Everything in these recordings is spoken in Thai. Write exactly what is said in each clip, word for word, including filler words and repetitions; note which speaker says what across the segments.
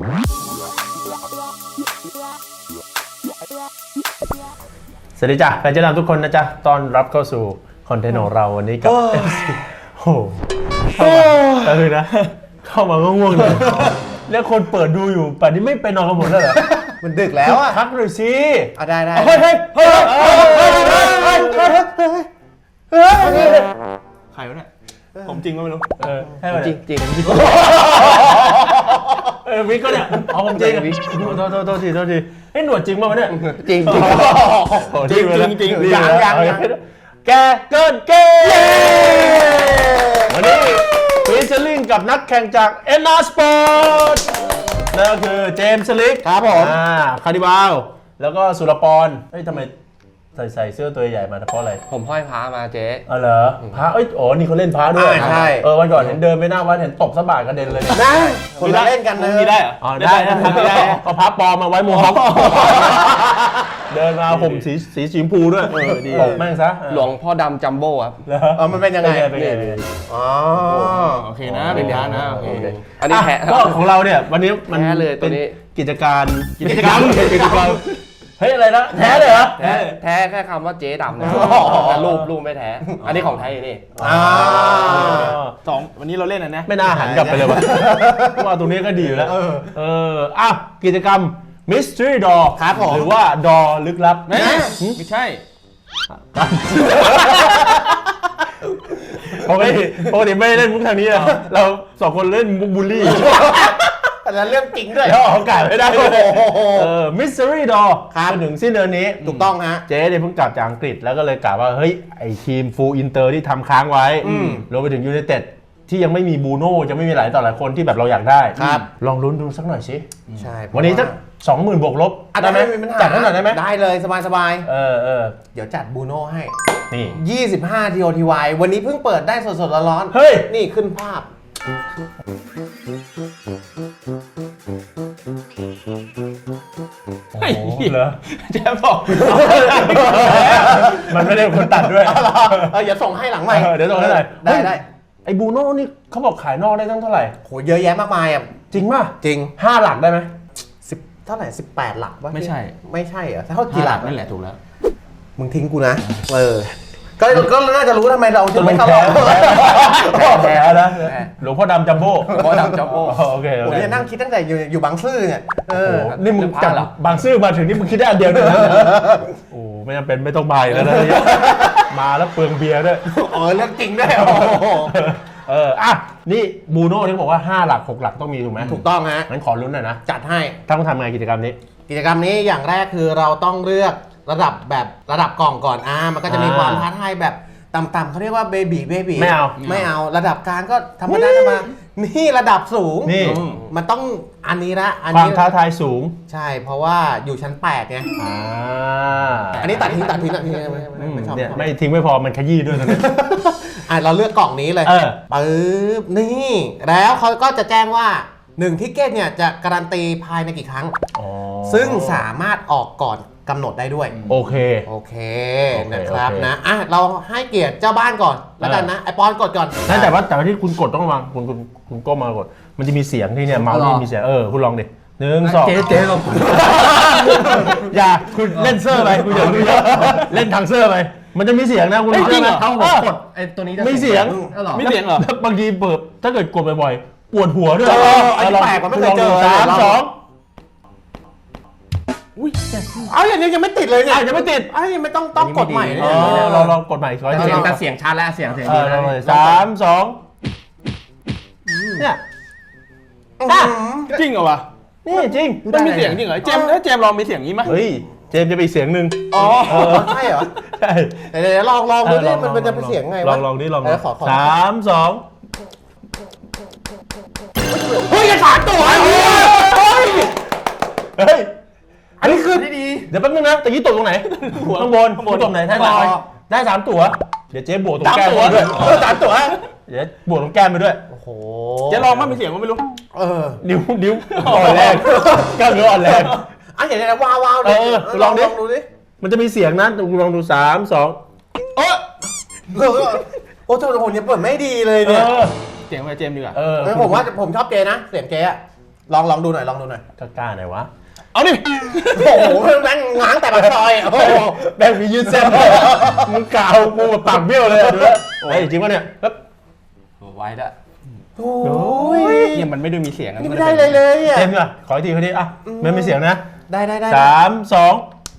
Speaker 1: สวัสดีจ้ะแฟนเจ๊ดำทุกคนนะจ๊ะต้อนรับเข้าสู่คอนเทนต์ของเราวันนี้กับ โอ้โหก็คือนะเข้ามาก็ง่วงเลยแล้วคนเปิดดูอยู่ป่านนี้ไม่ไปนอนกันหมดแล้วเหรอ
Speaker 2: มันดึกแล้วอ่ะ
Speaker 1: ทักหน่อยสิ
Speaker 2: อ่ะได้ได้
Speaker 1: เฮ้ยเฮ้ยเฮ้ยเฮ้ยเฮ้ยเฮ้ยเฮ้ยเฮ้ยเฮ้ย
Speaker 3: ใครวะเนี่ยผมจริงก็ไม่รู้
Speaker 1: เออให้
Speaker 2: จริงจริง
Speaker 1: เออวิกก็เนี่ยเอาผมจริงวิกโทษโทษโทษทีโทษทีไอ้หนวดจริงป่ะวะเนี่ย
Speaker 2: จริงจริง
Speaker 1: จริงจริงจริง
Speaker 2: ยังยัง
Speaker 1: แกเกินเกมวันนี้ฟีเจอริ่งกับนักแข่งจาก เอ็น อาร์ Sport นั่นก็คือเจมส์สลิก
Speaker 2: ครับผม
Speaker 1: อ่าคาริบาลแล้วก็สุรปรเฮ้ยทำไมใส่ใส่เสื้อตัวใหญ่มาเพราะอะไร
Speaker 2: ผมห้อยพระมาเจ๊
Speaker 1: อ๋อเหรอพระเอ้ยอ๋อนี่เขาเล่นพระด้วย
Speaker 2: ใช่
Speaker 1: เออวันก่อนเห็นเดินไปหน้าวัดเห็นตบสะบากกระเด็นเลย
Speaker 2: ได้คนเล่นกันเลย
Speaker 3: มีได้เหรอ
Speaker 1: อ๋อได้ได้ได้เอาพระปลอมมาไว้โมฮอคเดินมาห่มสีสีสีชมพูด้วยเออดีตบแม่งซะ
Speaker 2: หลวงพ่อดำจัมโบ้ครับ
Speaker 1: เออมันเป็นยังไง
Speaker 2: อ๋อ
Speaker 3: โอเคนะเป็นพระนะโอเค
Speaker 2: อันนี้แพ้
Speaker 1: ก็ของเราเนี่ยวันนี้มันเป็นกิจการกิจกรรมกิจกรรมเฮ้ยอะไรนะแท้เลยเหรอ
Speaker 2: แท้แท้แค่คำว่าเจ๊ดำนะรูปรูปไม่แท้อันนี้ของไทยนี่
Speaker 1: อ่า
Speaker 3: สองวันนี้เราเล่นอันนี้
Speaker 1: ไม่น่าหันกลับไปเลยวะว่าตรงนี้ก็ดีอยู่แล้วเอออ่ะกิจกรรม Mystery Door
Speaker 2: ครับผม
Speaker 1: หรือว่า Door ลึกลับ
Speaker 3: ไม่ไม่ใช่
Speaker 1: ปกติปกติไม่เล่นมุกทางนี้นะเราสองคนเล่นมุกบูลลี่
Speaker 2: แต่ละเรื่องจริงด้วย
Speaker 1: แล้วออกอากาศไม่ได้เออ Mystery Door
Speaker 2: ครับ
Speaker 1: ถึงสิ้นเดือนนี้
Speaker 2: ถูกต้องฮะ
Speaker 1: เจ๊เนี่ยเพิ่งกลับจากอังกฤษแล้วก็เลยกล่าวว่าเฮ้ยไอทีมฟูลอินเตอร์ที่ทำค้างไว้รวมไปถึงยูไนเต็ดที่ยังไม่มีบูโน่จะไม่มีหลายต่อหลายคนที่แบบเราอยากได้ลองลุ้นดูสักหน่อยสิ
Speaker 2: ใช่
Speaker 1: วันนี้สักสองหมื่นบวกลบได้ไหมจัดให้หน่อยได้ไหม
Speaker 2: ได้เลยสบายสบาย
Speaker 1: เออเออ
Speaker 2: เดี๋ยวจัดบูโน่ให้
Speaker 1: นี่
Speaker 2: ยี่สิบห้า ที โอ ที วาย วันนี้เพิ่งเปิดได้สดๆร้อน
Speaker 1: ๆเฮ้ย
Speaker 2: นี่ขึ้นภาพ
Speaker 1: โอ้เหรอ
Speaker 3: แจ๊บบอก
Speaker 1: มันไม่ได้คนตัดด้วย
Speaker 2: เอออย่าส่งให้หลังใหม่
Speaker 1: เดี๋ยวส่งให้หน่อย
Speaker 2: ได้ได้
Speaker 1: ไอ้บูโน่นี่เขาบอกขายนอกได้ตั้งเท่าไหร่
Speaker 2: โหเยอะแยะมากมายอ่ะ
Speaker 1: จริงป่ะ
Speaker 2: จริง
Speaker 1: ห้าหลักได้ไหม
Speaker 2: สิบเท่าไหร่สิบแปดหลักวะ
Speaker 3: ไม่ใช่
Speaker 2: ไม่ใช่เหรอเท่ากี่หลัก
Speaker 3: นั่นแหละถูกแล้ว
Speaker 2: มึงทิ้งกูนะเออก็ก็น่าจะรู้ทำไมเราถึงไม่เข้ารอบ
Speaker 1: แพ้นะหลวงพ่อดำจัมโบ้
Speaker 2: หลวงพ่อดำจัมโบ้
Speaker 1: โอเคโอเค
Speaker 2: นั่งคิดตั้งแต่อยู่อยู่บางซื่อเนี่ยเออ
Speaker 1: นี่มึงจากบางซื่อมาถึงนี่มึงคิดได้อันเดียวเลยโอ้ไม่จำเป็นไม่ต้องมาแล้วนะมาแล้วเปลืองเบียร์ด้วย
Speaker 2: อ๋อเรื่องจริงด้วย
Speaker 1: เอออ่ะนี่บูโน่ที่บอกว่าห้าหลักหกหลักต้องมีถูกไหม
Speaker 2: ถูกต้องฮะ
Speaker 1: งั้นขอลุ้นหน่อยนะ
Speaker 2: จัดให้
Speaker 1: ต้องทำไงกิจกรรมนี้
Speaker 2: กิจกรรมนี้อย่างแรกคือเราต้องเลือกระดับแบบระดับกล่องก่อนอ่ามันก็จะมีความท้าทายแบบต่ำๆเขาเรียกว่าเบบีเบบี
Speaker 1: ไม่เอา
Speaker 2: ไม่เอาระดับกลางก็ธรรมดาธรรมดานี่ระดับสูง
Speaker 1: นี่
Speaker 2: มันต้องอันนี้ละ
Speaker 1: อันนี้ความท้าทายสูง
Speaker 2: ใช่เพราะว่าอยู่ชั้นแปดไง
Speaker 1: อ่า
Speaker 2: อันนี้ตัดทิ้งตัดทิ้งตัดทิ้ง
Speaker 1: ไม่ชอบไม่ทิ้งไม่พอมันขยี้ด้วยนะ
Speaker 2: อ่ะเราเลือกกล่องนี้เลยปึ๊บนี่แล้วเขาก็จะแจ้งว่าหนึ่งทิกเก็ตเนี่ยจะการันตีภายในกี่ครั้งซึ่งสามารถออกก่อนกำหนดได้ด้วย
Speaker 1: โอเค
Speaker 2: โอเคนะครับนะอ่ะเราให้เกียรติเจ้าบ้านก่อนแล้วกันนะไอปอนกดก่อน
Speaker 1: นั่นแต่ว่าแต่ว่าที่คุณกดต้องระวังคุณคุณคุณก้มมากดมันจะมีเสียงที่เนี่ยเมาส์นี่มีเสียงเออคุณลองดิหนึ่งสอง
Speaker 2: เจ๊เจ๊ลอง
Speaker 1: อย่าคุณเล่นเซอร์ไปคุณอย่าเล่นทางเซอร์ไปมันจะมีเสียงนะคุณ
Speaker 2: จริงเหรอเขากดไอตัวนี้
Speaker 1: ไม่เสียง
Speaker 3: ไม่เสียงเหร
Speaker 1: อบางทีเปิดถ้าเกิดกดบ่อยๆปวดหัวด้วย
Speaker 2: ไอ้แปลกมันไม่เคยเจอ
Speaker 1: สามสอง
Speaker 2: อุ้ยเอาอย่างนี้ยังไม่ติดเลยเนี่ย
Speaker 1: ยังไม่ติด
Speaker 2: ไอ้ไม่ต้องต้องกดใหม่เลย
Speaker 1: เราเรากดใหม่
Speaker 2: เสียงแต่เสียงชัดแล้วเสียงเสียงดี
Speaker 1: แล้วสามสองเนี่ย
Speaker 3: จริงเหรอวะ
Speaker 1: นี่จริง
Speaker 3: มันมีเสียงจริงเหรอเจมถ้าเจมลองมีเสียงนี้ไหม
Speaker 1: เฮ้ยเจมจะไปเสียงหนึ่ง
Speaker 2: อ๋อใช่เหรอ
Speaker 1: ใช่
Speaker 2: เดี๋ยวลองลองดูดิมันจะเป็นเสียงไงวะ
Speaker 1: ลองลองดิลอง
Speaker 2: ส
Speaker 1: ามสอง
Speaker 2: เฮ้ยสามตัว
Speaker 1: เฮ้ยอันนี้คือ
Speaker 2: ดี
Speaker 1: เดี๋ยวแป๊บนึงนะตะกี้ตกตรงไหนข้างบนข้างบนตรงไหนได้มาได้สามตั๋วเดี๋ยวเจ๊บวกตรงแก้มไปด้วย
Speaker 2: สามตั๋ว
Speaker 1: เดี๋ยวบวกตรงแก้มไปด้วย
Speaker 2: โอ้โห
Speaker 3: เจ๊ลองมั้ยมีเสียงก็ไม่รู้
Speaker 2: เออ
Speaker 1: นิ้วนิ้วอ่อนแรงกล้ามเนื้ออ่อนแรง
Speaker 2: อ่ะเดี๋ยวว้าวว้าว
Speaker 1: เออลอง
Speaker 2: ดูดิ
Speaker 1: มันจะมีเสียงนะลองดูสามสอง
Speaker 2: โอ้โอ้โหโหเนี่ยเปิดไม่ดีเลยเนี่ย
Speaker 3: เสียงไปเจมดีกว่า
Speaker 2: เออผมว่าผมชอบเจนะเสียงเจอะลองลองดูหน่อยลองดูหน่อย
Speaker 1: กล้าๆหน่อยวะ
Speaker 3: เอาดิ
Speaker 2: โอ้โหแม่งง้างแต่ปากซอยโอ้โห
Speaker 1: แบงค์มียืดเส้นมึงกาวกูแบบปากเบี้ยวเลยดูแล้วเฮ้ยจริงปะเนี่ยปึ๊บ
Speaker 3: ไว้ละ
Speaker 2: โอ้
Speaker 1: โอ้
Speaker 2: ย
Speaker 1: ย
Speaker 3: เนี่ยมันไม่ได้มีเสียงอะ
Speaker 2: นี่ไม่ได้เลยเลยอ่ะ
Speaker 1: เต็มอ่ะขออีกทีคนนี้อ่ะไม่มีเสียงนะ
Speaker 2: ได้ได้ได้
Speaker 1: สามสอง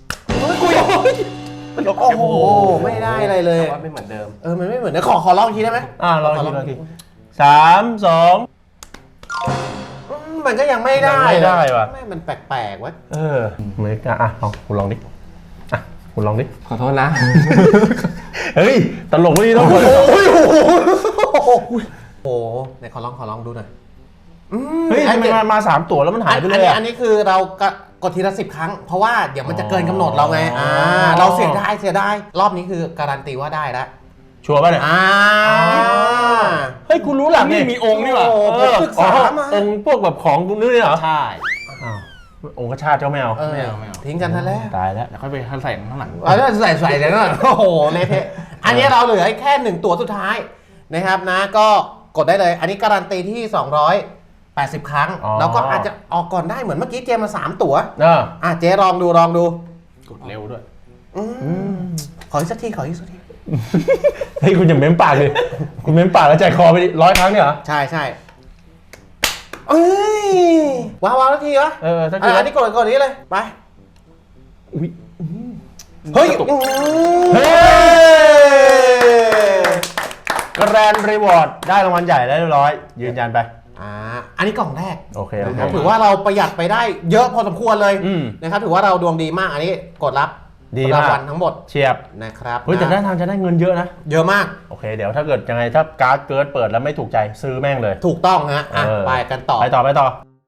Speaker 2: โอ้โหไม่ได้อะไรเลย
Speaker 4: ว่าไม่เหมือนเดิม
Speaker 2: เออมันไม่เหมือนนะขอขอลองอีกทีได้ไหม
Speaker 1: อ่ะลองอีกทีลองอีกทีสามสอง
Speaker 2: อืมมันก็ยังไม่ได้
Speaker 1: ยังไม่ได้ว่ะ
Speaker 2: ไม่มันแปลกๆวะ
Speaker 1: เออไม่กล้าอ่ะลองคุณลองดิอ่ะคุณลองดิ
Speaker 4: ขอโทษนะ
Speaker 1: เฮ้ยตลกไม่ดีต้อง
Speaker 2: โอ้ยโอ้โหโอ้โหโอ้โหไหนขอลองขอลองดูหน่อยอืม
Speaker 1: เฮ้ยทำไมมามาสามตัวแล้วมันหายไปเลย
Speaker 2: อันนี้
Speaker 1: อ่ะ
Speaker 2: อันนี้คือเรากะกดทีละสิบครั้ง เพราะว่าเดี๋ยวมันจะเกินกำหนดเราไง
Speaker 1: อ๋ออ่
Speaker 2: อ่าเราเสียดายเสียดายรอบนี้คือการันตีว่าได้แล้ว
Speaker 1: ชัวร์ป่ะเนี่ย
Speaker 2: อ่า
Speaker 1: เฮ้ยคุณรู้หลัง
Speaker 3: นี่
Speaker 1: นี่
Speaker 3: มีองค์นี่หว่า
Speaker 2: โอ้
Speaker 1: เอ
Speaker 2: ผม
Speaker 1: อ
Speaker 2: ศึกษามา
Speaker 1: องค์พวกแบบของตรงนี้เหรอ
Speaker 3: ใช่
Speaker 1: อ้าวองค์กระชาติเจ้าแมว
Speaker 2: เออ
Speaker 3: ไม่เอาไม่เอา
Speaker 2: ทิ้งกันซะแล้ว
Speaker 1: ตายแล้ว
Speaker 3: เดี๋ยวค่อยไปใส่ข้างหลัง
Speaker 2: เอาแล้วใส่ใส่เลยนะโอ้โหเละเทะอันนี้เราเหลือแค่หนึ่งตัวสุดท้ายนะครับนะก็กดได้เลย อันนี้การันตีที่สองร้อยแปดสิบครั้ง
Speaker 1: อ๋อ
Speaker 2: แล้วก็อาจจะออกก่อนได้เหมือนเมื่อกี้เจมมาสามตัว
Speaker 1: เออ
Speaker 2: อ่ะเจ๊ลองดูลองดู
Speaker 3: กดเร็วด้วย
Speaker 2: อืมขออีกสักทีขออีกสักที
Speaker 1: เฮ้ยคุณอย่าเม้มปากเลยคุณเม้มปากแล้วใจคอไปดิร้อยครั้งเนี่ยเหรอ
Speaker 2: ใช่ใช่เอ้ยว้าวว้าวสักทีวะ
Speaker 1: เออถ้า
Speaker 2: อ่ะ
Speaker 1: เกิด
Speaker 2: อันนี้กดกดนี้เลยไป
Speaker 1: อุ๊ย
Speaker 2: เฮ้ย
Speaker 3: กระตุก
Speaker 2: อืม
Speaker 1: เฮ้ย แกรนด์รีวอร์ดได้รางวัลใหญ่ได้เรียบร้อย ยืนยันไป
Speaker 2: อ่าอันนี้กล่องแรก
Speaker 1: โอเคโอ
Speaker 2: นะ
Speaker 1: เค
Speaker 2: ครับถือว่าเราประหยัดไปได้เยอะพอสมควรเลย
Speaker 1: อืม
Speaker 2: นะครับถือว่าเราดวงดีมากอันนี้กดรับ
Speaker 1: ดีมาก
Speaker 2: รางวัลทั้งหมด
Speaker 1: เฉียบ
Speaker 2: นะครับ
Speaker 1: เฮ้ยแต่
Speaker 2: นะ
Speaker 1: ได้ทางจะได้เงินเยอะนะ
Speaker 2: เยอะมาก
Speaker 1: โอเค เดี๋ยวถ้าเกิดยังไงถ้าการ์ดเกิร์ดเปิดแล้วไม่ถูกใจซื้อแม่งเลย
Speaker 2: ถูกต้องฮะอ่ะ
Speaker 1: เออ
Speaker 2: ไปกันต่อ
Speaker 1: ไปต่อไปต่อ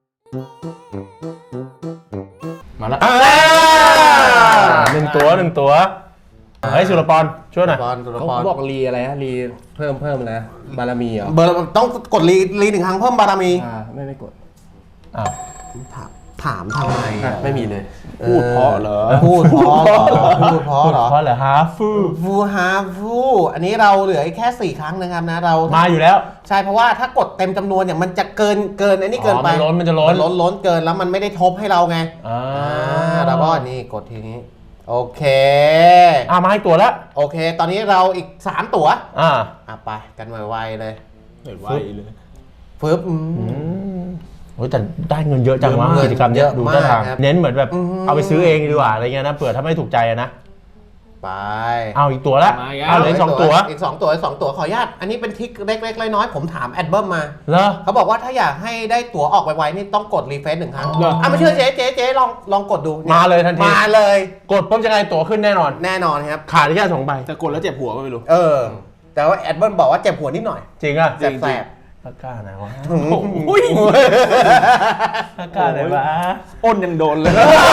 Speaker 3: มาแล้ว
Speaker 1: อ่าหนึ่งตัวหนึ่งตัวเฮ้ยสุรปรช่วยหน่อย
Speaker 2: บอลตัวละ
Speaker 4: เขา
Speaker 2: คร
Speaker 4: บอกรีอะไรนะรีเพิ่มเพิ่มนะบารมีเหรอ
Speaker 2: เบอร์ต้องกดรีรีหนึ่งครั้งเพิ่มบารมี
Speaker 4: อ่าไม่ไม่กด
Speaker 1: อ้าว
Speaker 2: ถามถามทำไม
Speaker 4: อ่ะ
Speaker 2: อ่ะ
Speaker 4: ไม่มีเลย
Speaker 3: พูดเพราะเหรอ
Speaker 2: พูดเพราะเหรอพูดเพราะเหรอ
Speaker 1: เพราะเหรอฮาฟู
Speaker 2: ฟูฮาฟูอันนี้เราเหลืออีกแค่สี่ครั้งนะครับนะเรา
Speaker 1: มาอยู่แล้ว
Speaker 2: ใช่เพราะว่าถ้ากดเต็มจำนวนเนี่ยมันจะเกินเกินอันนี้เกินไป
Speaker 1: อ๋อมันล้นมันจะล้น
Speaker 2: ล้นล้นเกินแล้วมันไม่ได้ทบให้เราไง
Speaker 1: อ่า
Speaker 2: อ่าเราก็นี่กดทีนี้ โอเค
Speaker 1: อ่ามาให้ตัวแล้ว
Speaker 2: โอเค ตอนนี้เราอีกสามตั๋ว
Speaker 1: อ่า
Speaker 2: อ่ะไปกันไวๆเลย
Speaker 3: เห็นไวเลย
Speaker 2: ฟึบอืม
Speaker 1: อืมโอ้ยแต่ได้เงินเยอะจังวะ
Speaker 2: เงิน
Speaker 1: กิจกรรมเนี้ย
Speaker 2: เยอะ
Speaker 1: ดูท่าทาง
Speaker 2: มากครับ
Speaker 1: เน้นเหมือนแบบ
Speaker 2: อืม
Speaker 1: เอาไปซื้อเองดีกว่าอะไรเงี้ยนะเผื่อถ้าไม่ถูกใจอะนะ
Speaker 2: ไป
Speaker 1: เอาอีกตัวละ
Speaker 3: มาอีกแล้ว
Speaker 1: เอาเหลืออีกสองตัว
Speaker 2: อีกสองตัวอีกสองตัวขออนุญาตอันนี้เป็นทริคเล็กๆน้อยๆผมถามแอดเบิร์มมา
Speaker 1: เหรอ
Speaker 2: เขาบอกว่าถ้าอยากให้ได้ตั๋วออกไวๆนี่ต้องกดรีเฟซหนึ่งครั้ง
Speaker 3: เหรอ
Speaker 2: อ่ะไม่เชื่อเจ๊เจ๊เจ๊ลองลองกดดูนี่
Speaker 1: มาเลยทันที
Speaker 2: มาเลย
Speaker 1: กดปุ๊บยังไงตั๋วขึ้นแน่นอน
Speaker 2: แน่นอนครับ
Speaker 1: ขาดแค่สองใบ
Speaker 3: จะกดแล้วเจ็บหัวก็ไม่รู้
Speaker 2: เออ แต่ว่าแอดเบิร์มบอกว่าเจ็บหัวนิดหน่อย
Speaker 1: จริงอ่ะ
Speaker 2: แสบ
Speaker 1: ตะกร้าไหนวะ
Speaker 2: ๆอืม
Speaker 3: อุ้ย
Speaker 1: ตะกร้าไหนวะ
Speaker 3: อ้นยังโดนเลย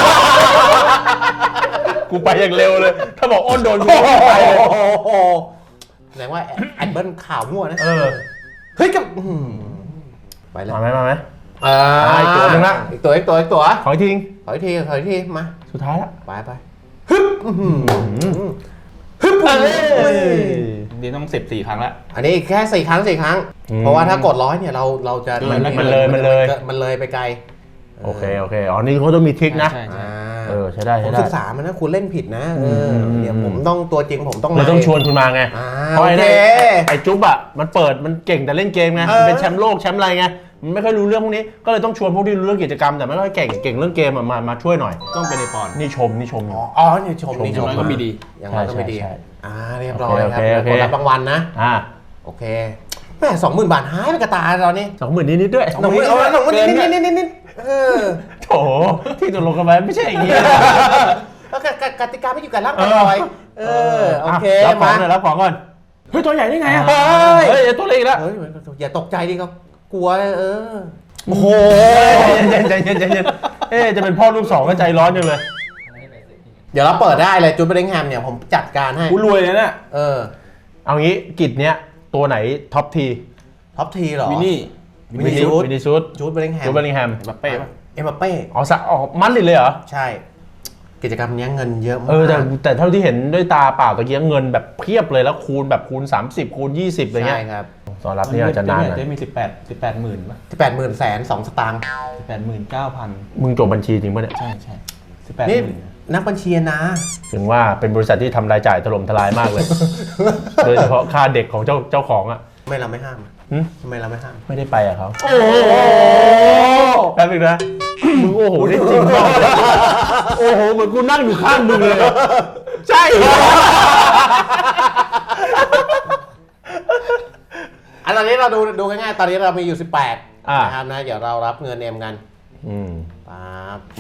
Speaker 1: กูไปอย่างเร็วเลย ถ้าบอกอ้นโดนกูไม่ไปเลย
Speaker 2: โอ้โหแสดงว่าแอดเบิร์มข่าวมั่วนะ
Speaker 1: เออ
Speaker 2: เฮ้ยกับอื้อหือไปเลย
Speaker 1: มาไหมมาไหม
Speaker 2: อ่า
Speaker 1: อ่าอีกตัวหนึ่งละ
Speaker 2: อีกตัวอีกตัวอีกตัว
Speaker 1: ขออีกที
Speaker 2: ขออีกทีขออีกทีมา
Speaker 1: สุดท้ายละ
Speaker 2: ไปไปฮึบอื้อหือฮึบ
Speaker 1: เอ้ย
Speaker 3: นี่ต้องสิบสี่ครั้งแล้ว
Speaker 2: อันนี้แค่สี่ครั้งสี่ครั้ง
Speaker 1: อืม
Speaker 2: เพราะว่าถ้ากดร้อยเนี่ยเราเราจะ
Speaker 3: มัน
Speaker 1: มันเลยมันเลย
Speaker 2: มันเลยไปไกล
Speaker 1: โอเคโอเคอ๋อนี่เขาต้องมีทริคนะ
Speaker 3: ใช่ใช่
Speaker 2: อ่า
Speaker 1: เออใช้ได้
Speaker 2: ผ
Speaker 1: ใช้
Speaker 2: ม
Speaker 1: ได้
Speaker 2: ศึกษามันนะคุณเล่นผิดนะเออ
Speaker 1: ม
Speaker 2: เนี่ยผมต้องตัวจริงผมต้อง
Speaker 1: เราต้องชวนคุณมาไง
Speaker 2: อ่า
Speaker 1: เพราะ
Speaker 2: โอ
Speaker 1: ไอ้
Speaker 2: เค
Speaker 1: เนี่ยไอ้จุ๊บอ่ะมันเปิดมันเก่งแต่เล่นเกมไง
Speaker 2: เออ
Speaker 1: มันเป็นแชมป์โลกแชมป์อะไรไงมันไม่ค่อยรู้เรื่องพวกนี้ก็เลยต้องชวนพวกที่รู้เรื่องกิจกรรมแต่ไม่ค่อยเก่งเก่งเรื่องเกมอะมามาช่วยหน่อย
Speaker 3: ต้องเป็นในปอน
Speaker 1: นี่ชมนี่ชมอยู่
Speaker 2: อ๋ออ๋อนี่ชมนี่
Speaker 3: อ
Speaker 2: ช
Speaker 3: ย่าง
Speaker 2: ม
Speaker 3: น้อยก็มีดี
Speaker 2: อย่างน้อยก็ไม่ดี
Speaker 1: ใช่ใช่
Speaker 2: อ่าเรียบร้อย
Speaker 1: โอ
Speaker 2: ครับ
Speaker 1: เคโอเค
Speaker 2: กดรับรางวัลนะ
Speaker 1: อ่า
Speaker 2: โอเคแม่สองหมื่นบาทหายไปกระตาตอนนี้
Speaker 1: สองหมื่นนิดๆด้วย
Speaker 2: สองหมื่นเอาไว้สองหมื่นนิดนิดนิดนิดนิดเออ
Speaker 1: โถที่ตกลงกันไปไม่ใช่อย่างนี้
Speaker 2: แล้วกกติกาไม่อยู่กับร่างกายเออโอเค
Speaker 1: รับของ
Speaker 2: มา
Speaker 1: หน่อยรับของก่อน
Speaker 3: เฮ้ยตัวใหญ่ได้ไงอ่ะ
Speaker 2: เฮ้ย
Speaker 1: เฮ้ยตัวเล็กอีกแล้ว
Speaker 2: เฮ้ยอย่าตกใจดิครับกลัวเออโอ้โห
Speaker 1: ใจเย็นใจเย็นใจเย็นเอ๊ะจะเป็นพ่อลูกสองก็ใจร้อนจังเลย
Speaker 2: เดี๋ยวเราเปิดได้เลยจูดเบริงแฮมเนี่ยผมจัดการให้
Speaker 3: กูรวยเลยเนี่ย
Speaker 2: เออ
Speaker 1: เอางี้กิจเนี้ยตัวไหนท็อปที
Speaker 2: ท็อปทีเหรอ
Speaker 3: วินนี่
Speaker 2: วินนี่ซูด
Speaker 1: วินนี่ซูด
Speaker 2: จูดเบริงแฮม
Speaker 1: จูเบลลิงแฮม
Speaker 3: แบบเป้ปะ
Speaker 2: เอ็มบัปเป้
Speaker 1: อ๋อสะออกมันลิดเลยเหรอ
Speaker 2: ใช่
Speaker 1: เ
Speaker 2: กิจกรรมเนี้ยเงินเยอะมาก
Speaker 1: เออแต่แต่เท่าที่เห็นด้วยตาเปล่าตะกี้เงินแบบเพียบเลยแล้วคูณแบบคูณสามสิบคูณยี่สิบอะไรเงี้
Speaker 2: ใช่
Speaker 1: ย
Speaker 2: ครับ
Speaker 1: ตอนรับนี่อาจจะนานหน่อย
Speaker 3: เจ๊มีสิบแปดสิบแปดหมื่นป่ะ
Speaker 2: ที่แปดหมื่นแสนสองสตางค์
Speaker 3: สิบแปดหมื่นเก้าพัน
Speaker 1: มึงจบบัญชีจริงปะเนี่ย
Speaker 3: ใช่ใช่สิบแปดห
Speaker 2: นี่
Speaker 3: มื่น
Speaker 2: นักบัญชีนะ
Speaker 1: ถึงว่าเป็นบริษัทที่ทำรายจ่ายถล่มทลายมากเลย โดยเฉพาะค่าเด็กของเจ้าเจ้าของอ่ะ
Speaker 2: ทำไมเราไม่ห้าม
Speaker 1: หึ
Speaker 2: ทำไมเราไม่ห้าม
Speaker 1: ไม่ได้ไปอ่ะเขาแป๊บนึงนะมึงโอ้โหได้จริงมากโอ้โหเหมือนกูนั่งอยู่ข้างมึงเลยใช่เหรอ
Speaker 2: อันตอนนี้เราดูดูง่ายๆตอนนี้เรามีอยู่สิบแปด
Speaker 1: อ่า
Speaker 2: นะครับนะเดี๋ยวเรารับเงินเอ็มกัน
Speaker 1: อืม
Speaker 2: ปั๊บ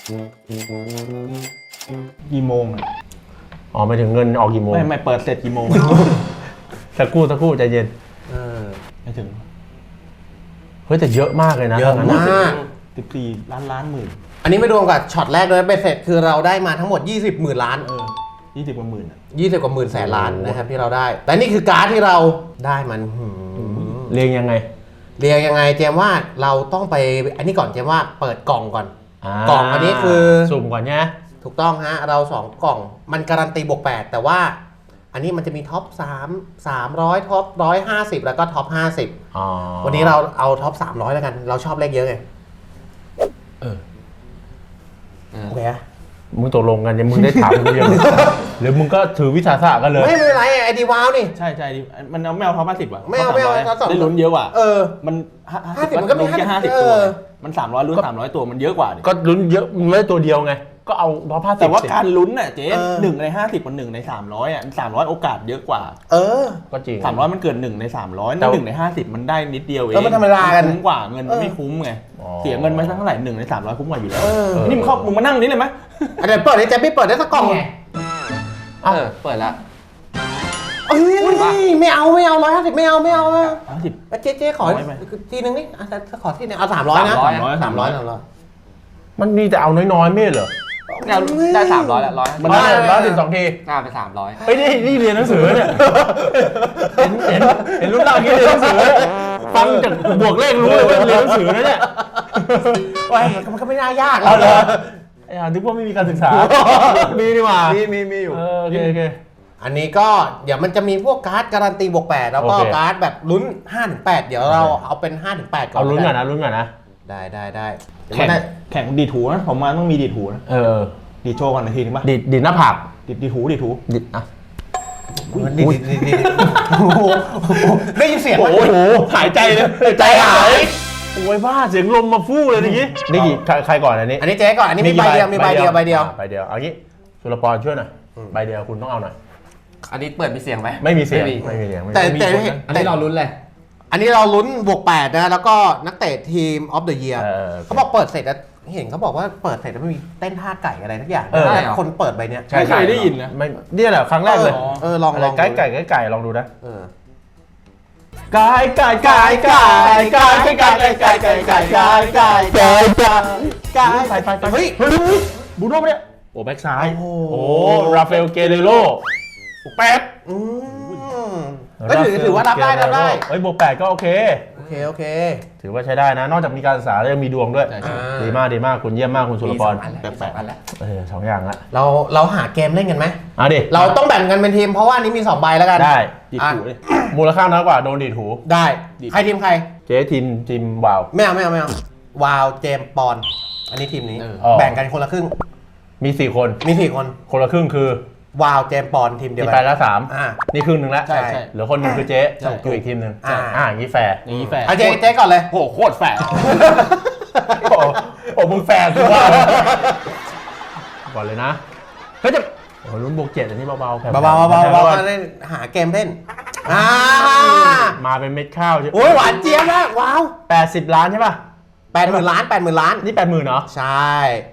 Speaker 3: กี่โมงอะ
Speaker 1: อ๋อไม่ถึงเงินออกกี่โมง
Speaker 3: ไม่ไม่เปิดเสร็จกี่โมง
Speaker 1: สักครู่สักครู่ใจเย็น
Speaker 2: เออ
Speaker 3: ไม่ถึง
Speaker 1: เฮ้ยแต่เยอะมากเลยนะ
Speaker 2: เยอะ
Speaker 1: ทั้งนั้น
Speaker 2: มาก
Speaker 3: สิบสี่ล้านล้านหมื่น
Speaker 2: อันนี้ไม่รวมกับช็อตแรกด้วยเบ็ดเสร็จคือเราได้มาทั้งหมดยี่สิบหมื่นล้าน
Speaker 3: เออยี่สิบกว่าหมื่นอะ
Speaker 2: ยี่สิบกว่าหมื่นแสนล้านนะครับที่เราได้ แต่นี่คือการ์ดที่เราได้มันหืม
Speaker 1: เรียงยังไง
Speaker 2: เรียงยังไงเจมว่าเราต้องไปอันนี้ก่อนเจมว่าเปิดกล่องก่อน
Speaker 1: าก
Speaker 2: ล่องอันนี้คือ
Speaker 1: สุ่มก่อนเนี่ย
Speaker 2: ถูกต้องฮะเราสองกล่องมันการันตีบวกแปดแต่ว่าอันนี้มันจะมีท็อปสาม สามร้อยท็อปหนึ่งร้อยห้าสิบแล้วก็ท็อปห้าสิบ
Speaker 1: อ๋อ
Speaker 2: วันนี้เราเอาท็อปสามร้อยแล้วกันเราชอบเลขเยอะไง
Speaker 1: เออ
Speaker 2: โอเคอะ
Speaker 1: มึงตกลงกันยังมึงได้ถามกูยัง หรือมึงก็ถือวิชาศาสตร์กันเลย
Speaker 2: ไม่เป็นไรไอดีวาวนี่
Speaker 3: ใช่ใช่ดิมันเอาไม่เอาท็อปห้าสิบว่ะ
Speaker 2: ไม่เอาไม่เอา
Speaker 3: ท็ป
Speaker 2: ท็อปสอง
Speaker 3: ได้ลุ้นเยอะกว่า
Speaker 2: เออ
Speaker 3: มันห้า
Speaker 2: ห้าสิบมันก็มี
Speaker 3: ลุ้นแค่ห้าสิบ
Speaker 2: เออ
Speaker 3: ตัวมันสามร้อยลุ้นสามร้อยตัวมันเยอะกว่าดิ
Speaker 1: ก็ลุ้นเยอะมึงเลยตัวเดียวไง ก็เอาร้อยผ้าสิบ
Speaker 3: แต่ว่าการลุ้นน่ะเจ๊
Speaker 2: เออ
Speaker 3: หนึ่งในห้าสิบกับหนึ่งในสามร้อยอ่ะสามร้อยโอกาสเยอะกว่า
Speaker 2: เออ
Speaker 1: ก็จริง
Speaker 3: สามร้อยมันเกินหนึ่งในสามร้อย
Speaker 1: แต่
Speaker 3: หนึ่งในห้าสิบมันได้นิดเดียวเอง
Speaker 2: เออมันธรรมดากัน
Speaker 3: คุ้มกว่าเงิน
Speaker 2: เออ
Speaker 3: ไม่คุ้มไง
Speaker 1: อ๋อ
Speaker 3: เสียเงินไปสักเท่าไหร่หนึ่งในสามร้อยคุ้มกว่าอยู่แล้ว
Speaker 2: เออ
Speaker 3: นี่มึงเข้ามึงมานั่งนี่เลยไหม
Speaker 2: อันเดี๋ยวเปิดให้เจมพี่เปิดได้สักกล่อง
Speaker 4: ไงเออ เปิดละ
Speaker 2: เอ้ยไม่เอาไม่เอาร้อยห้าสิบไม่เอาไม่เอาไม่เอา
Speaker 3: ห้าสิบ
Speaker 2: เจ๊เจ๊ขอ
Speaker 3: น้อยไหม
Speaker 2: ทีนึงนี่อ่ะขอทีนึงเอาสามร้อยนะ
Speaker 3: สามร้อย
Speaker 2: สามร้อยสามร้อย
Speaker 1: มันมีแต่เอาน้อยๆไม่เหรอ
Speaker 4: เนี่ยได้สามร้อยละร้อย
Speaker 1: มันได้ร้อยสิบสองที
Speaker 4: หน้าไปสามร้อย
Speaker 1: เฮ้ยนี่นี่เรียนหนังสือเนี่ย เห็นเห็นเห็นรุ่นเราอย่างนี้เรียนหนังสือเนี่ยฟังจากบวกเลขรู้เลยว่าเรียนหนังสือนะเนี่ย
Speaker 2: ว้ายมันก็ไม่น่ายาก
Speaker 1: เอาเหรอไอ้ห่านึกว่าไม่มีการศึกษา มีนี่หว่า
Speaker 2: มีมีมีอยู่
Speaker 1: เออโอเคโอเค
Speaker 2: อันนี้ก็เดี๋ยวมันจะมีพวกการ์ดการันตีบวกแปดแล้วก็
Speaker 1: โอเค
Speaker 2: การ์ดแบบลุ้นห้าถึงแปดเดี๋ยวเราเอาเป็นห้าถึงแปดก่อน
Speaker 1: เอาลุ้นก่อนนะลุ้นก่อนนะ
Speaker 2: ได้ได้ได้เดี๋ยว
Speaker 3: แข่ง
Speaker 2: ได้
Speaker 3: แข่งดีดหูนะผมมาต้องมีดีดหูนะ
Speaker 1: เออ
Speaker 3: ดีดโชว์กันนาทีนึงป่ะ
Speaker 1: ดิดดิดหน้าผาก
Speaker 3: ดีดดีดหูดีดหู
Speaker 1: ดิดอ่ะ
Speaker 2: ดีดีดีดีโอ้โหได้ยินเสียงไหม
Speaker 1: โอ้โหหายใจเลยใจหายโอ้ยบ้าเสียงลมมาฟู่เลยเมื่อกี้นี่กี่ใครใครก่อนอันนี้
Speaker 2: อันนี้เจ๊ก่อนอันนี้มีใบเดียวมีใบเดียวใบเดียว
Speaker 1: อ่ะใบเดียวเอางี้สุรปรช่วยหน่อยใบเดียวคุณต้องเอาหน่อย
Speaker 4: อันนี้เปิดมีเสียงไหม
Speaker 1: ไม่มีเสียง
Speaker 4: ไม่มี
Speaker 1: ไม่มีเสียงไม่มี
Speaker 2: แต่
Speaker 1: มี
Speaker 2: แต่
Speaker 1: คนนะ
Speaker 4: อันนี้เราลุ้นเลย
Speaker 2: อันนี้เราลุ้นบวกแปดนะแล้วก็นักเตะทีมออฟเดอะเยียร์
Speaker 1: เออโอเค
Speaker 2: เขาบอกเปิดเสร็จแล้วเห็นเขาบอกว่าเปิดเสร็จแล้วมันมีเต้นท่าไก่อะไรทุกอย่าง
Speaker 1: เออ
Speaker 2: แต่คนเปิดใบเนี้ย
Speaker 1: ใช่
Speaker 3: ไม่เคยได้ยินนะ
Speaker 1: ไม่เนี่ยแหละครั้งแรกเลย
Speaker 2: เออลอง
Speaker 1: อะไร
Speaker 2: ลอง
Speaker 1: ไก่ไก่ไก่ไก่ลองดูนะ
Speaker 2: เออ
Speaker 1: ไก่ไก่ไก่ไก่ไก่ไก่ไก่ไก่ไก่ไก่ไก่ไก่ไก่ไก่ไก่ไปไปไปเฮ้ยเฮ้ยบูโน่ปะเนี่ยโอ้แบ็กซ้ายโอ้ราฟาเอลเกเรโรแปด
Speaker 2: อืมก็ถือถือว่ารับได้รับได้
Speaker 1: เฮ้ยบวกแปดก็โอเค
Speaker 2: โอเคโอเค
Speaker 1: ถือว่าใช้ได้นะ นอกจากมีการศึกษาแล้วยังมีดวงด้วย
Speaker 3: ใช่ใช่
Speaker 1: ดีมากดีมากคุณเยี่ยมมากคุณสุร
Speaker 4: มี
Speaker 1: พ
Speaker 4: สอ
Speaker 1: รง
Speaker 4: อันแล้วมีสองอันแล้ว
Speaker 1: เออสองอย่างละ
Speaker 2: เราเราหาเกมเล่นกันไหม
Speaker 1: เอาดิ
Speaker 2: เราต้องแบ่งกันเป็นทีมเพราะว่าอันนี้มีสองใบแล้วกัน
Speaker 1: ได้
Speaker 3: ดีดหูเลย
Speaker 1: มูลค่าน้อยกว่าโดนดีดหู
Speaker 2: ได้
Speaker 3: ดี
Speaker 2: ใครทีมใคร
Speaker 1: เจ๊ทีมทีมวาว
Speaker 2: ไม่เอาไม่เอาไม่เอาวาวเจมส์ปอนอันนี้ทีมนี้
Speaker 3: เออ
Speaker 1: อ๋อ
Speaker 2: แบ่งกันคนละครึ่ง
Speaker 1: มีสี่คน
Speaker 2: มีสี่คน
Speaker 1: คนละครึ่งคือ
Speaker 2: วาวเจมส์ปอนทีมเดียว
Speaker 1: มี
Speaker 2: กั
Speaker 1: ไป
Speaker 2: น
Speaker 1: แล้วสาม
Speaker 2: อ่า
Speaker 1: นี่ครึ่งหนึ่งแล้ว
Speaker 2: ใช่
Speaker 3: ใช่
Speaker 1: เหลือคนหนึ่งคือเจ๊
Speaker 3: ใช่
Speaker 1: อยู่อีกทีมหนึ่ง
Speaker 2: อ่า
Speaker 1: อ่าอย่างนี้แฟร์
Speaker 3: อย่างนี้แฟร์
Speaker 2: เอาเจ๊เจ๊ก่อนเลย
Speaker 3: โหโคตรแฟร์
Speaker 1: โอ้โอ้มึงแฟร์คือว่าก่อนเลยนะเฮ้ยจะโอ้ลุ้นบวกเจ็ดอันนี้เบาๆแผ่วๆ
Speaker 2: เบาๆเบาๆ
Speaker 1: แผ่ว
Speaker 2: เบา
Speaker 1: ๆ
Speaker 2: ๆเล่นหาเกมเล่นอ่า
Speaker 1: มาเป็นเม็ดข้าวใช่
Speaker 2: โอ้ยหวานเจี๊ยบแล้วว้าว
Speaker 1: แปดสิบล้านใช่ป่ะ
Speaker 2: แปดหมื่นล้านแปดหมื่นล้าน
Speaker 1: นี่แปดหมื่นเหรอ
Speaker 2: ใช่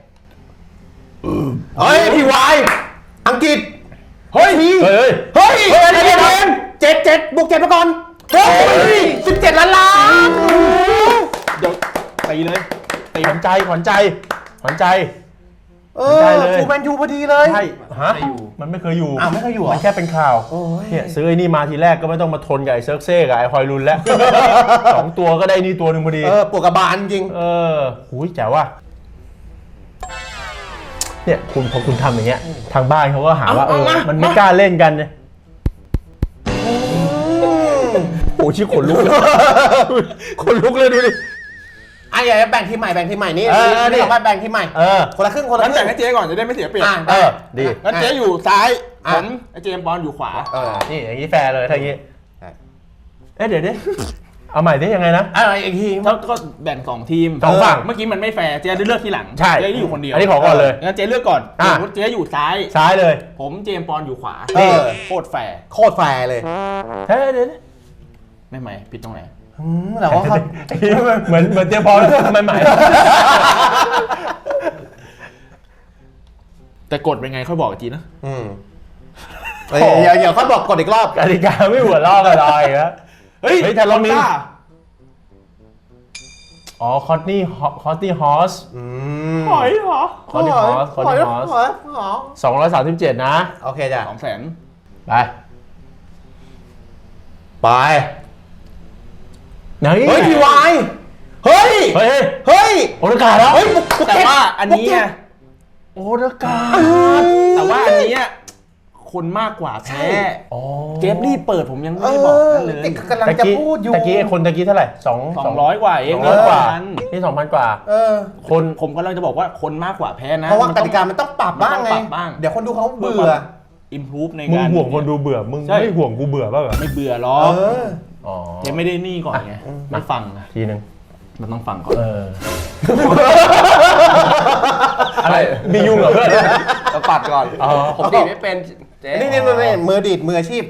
Speaker 2: เฮ้ยพี่วายอังกฤษเฮ้ยพี่
Speaker 1: เฮ้ย
Speaker 2: เฮ้ยเจ็ดเจ็ดเจ็ดเจ็ดบวกเจ็ดมาก่อนเฮ้ยสิบเจ็ดล้านล้าน
Speaker 3: เดี๋ยวตีเลยตี
Speaker 1: ขวัญใจขวัญใจขวัญใจ
Speaker 2: เอ
Speaker 1: ได้
Speaker 2: อ
Speaker 1: เลย
Speaker 2: ฟูแมนยูพอดีเลย
Speaker 1: ใช่ฮะ
Speaker 4: ไม่อยู่
Speaker 1: มันไม่เคยอยู่
Speaker 2: อ้าวไม่เคยอยู่เหรอ
Speaker 1: มันแค่เป็นข่าว
Speaker 2: โอ้ย
Speaker 1: เนี่ยซื้อไอ้นี่มาทีแรกก็ไม่ต้องมาทนกับไอ้เซิร์กเซ่กับไอ้ฮอยลุนแล้ว สองตัวก็ได้นี่ตัวหนึ่งพอดี
Speaker 2: เออปวกกระบาลจริง
Speaker 1: เออหูยแจ๋วว่ะเนี่ยคุณพอคุณทำอย่างเงี้ยทางบ้านเขาก็หาว่าเอ
Speaker 3: เอา
Speaker 1: อ
Speaker 3: เอามา
Speaker 1: มันไม่กล้าเล่นกันเนี่ยโอ้ชิขนลุกเลยขนลุกเลยดูดิ
Speaker 2: อ่ะอย่าแบ่งทีมใหม่แบ่งทีมใหม่นี่
Speaker 1: เออ
Speaker 2: นี่เรามาแบ่งทีมใหม่
Speaker 1: เออ
Speaker 2: คนละครึ่งคนละ
Speaker 3: งั้น
Speaker 2: ครึ่
Speaker 3: แบ่ง
Speaker 2: ง
Speaker 3: ให้เจ๊ก่อนจะได้ไม่เสียเปรียบ
Speaker 2: อ่ะ
Speaker 1: เอ
Speaker 2: ได้
Speaker 1: อดี
Speaker 3: งั้นเจ๊อยู่ซ้าย
Speaker 2: อ่ะ
Speaker 3: ผมไอ้เจมส์บอลอยู่ขวา
Speaker 2: เออ
Speaker 1: นี่อย่างนี้แฟร์เลยถ้าอย่างนี้
Speaker 2: ใช่
Speaker 1: เอ๊ะเดี๋ยวดิเอาใหม่ได้ยังไงนะ
Speaker 2: อะไรอีกที
Speaker 3: แล้วก็แบ่งสองทีม
Speaker 1: สองฝั่ง
Speaker 3: เมื่อกี้มันไม่แฟร์เจ๊ได้เลือกทีหลัง
Speaker 1: ใช่
Speaker 3: เจ๊ได้อยู่คนเดียว
Speaker 1: อันนี้ขอก่อนเลย
Speaker 3: งั้นเจ๊เลือกก่อน
Speaker 1: อ่ะ
Speaker 3: สมมติเจ๊อยู่ซ้าย
Speaker 1: ซ้ายเลย
Speaker 3: ผมเจมส์บอลอยู่ขวา
Speaker 2: เออ
Speaker 3: โคตรแฟร์
Speaker 2: โคตรแฟร์เลย
Speaker 1: เฮ้ยเดี๋ยวดิ
Speaker 3: ไม่ไหมผิดตรงไหน
Speaker 2: อืมแต่ว่าเขา
Speaker 1: เหมือนเหมือนเตรียมพร้อมใหม่
Speaker 3: แต่กฎเป็นไงค่อยบอกอีกทีนะ
Speaker 2: อืมเอ้ยเดี๋ยวเดี๋ยวเขาบอกกดอีกรอบ
Speaker 1: ๆกติกาไม่หัวลอกกันเลยนะ
Speaker 3: เฮ้ย
Speaker 1: เฮ้ยแต่เรามี
Speaker 3: คอต้
Speaker 1: อ๋อคอตนี่คอตนี่ฮอส
Speaker 2: อืม
Speaker 3: หอยเหรอ
Speaker 1: คอตนี่ฮอสคอตนี่ฮอส
Speaker 2: หอยหอย
Speaker 1: สองร้อยสามสิบเจ็ดนะ
Speaker 2: โอเคจ้ะ
Speaker 3: สองแสน
Speaker 1: ไป
Speaker 2: ไป
Speaker 1: ไหน
Speaker 2: เฮ้ยพีวายเฮ้ย
Speaker 1: เฮ้ย
Speaker 2: เฮ้ย
Speaker 1: โอรากาแล้ว
Speaker 2: เฮ้ยบุกบุก
Speaker 3: แต่
Speaker 2: เก็ต
Speaker 3: ว่าอันนี้ไง
Speaker 1: โอรากา
Speaker 3: แต่ว่าอันเนี้ยคนมากกว่าแพ้
Speaker 1: อ๋อ
Speaker 3: เจฟรีบเปิดผมยังไม่
Speaker 2: เอ
Speaker 3: ได้บอก
Speaker 2: อ
Speaker 3: นั่นเลย
Speaker 2: นี่กำลังจะพูดอยู่
Speaker 1: ตะกี้ไอ้คนตะกี้เท่าไหร่สอง
Speaker 3: สองร้อยกว่าเอง
Speaker 1: สองร้อยกว่า
Speaker 3: พัน
Speaker 1: นี่สองพันกว่า
Speaker 2: เออ
Speaker 1: คน
Speaker 3: ผมกำลังจะบอกว่าคนมากกว่าแพ้นะ
Speaker 2: เพราะว่า
Speaker 3: มัน
Speaker 2: ก
Speaker 3: ต้อง
Speaker 2: ติกามันต้องปรับบ้างไง
Speaker 3: มันต้องปรับบ้าง
Speaker 2: เดี๋ยวคนดูเขา
Speaker 3: เบื่
Speaker 2: เบื่อ
Speaker 3: อิมพูฟใน
Speaker 1: มึง
Speaker 3: การ
Speaker 1: ห่วงคนดูเบื่อ มึง
Speaker 3: ใช่
Speaker 1: ไม่ห่วงกูเบื่อบ้างเหรอ
Speaker 3: ไม่เบื่อหร
Speaker 2: เอ
Speaker 3: อก
Speaker 2: อ
Speaker 1: อ๋อ
Speaker 3: เจฟไม่ได้นี่ก่อนไงไม่ฟังอะ
Speaker 1: ทีนึง
Speaker 3: มันต้องฟังก่อน
Speaker 1: เออ อะไร มียุ่งเหรอเพื่อน
Speaker 4: เราปัดก่อน
Speaker 1: อ๋อ
Speaker 4: ผมดีดไม่เป็นเจ๊
Speaker 2: นี่นี่นี่นี่มือดีดมืออาชีพ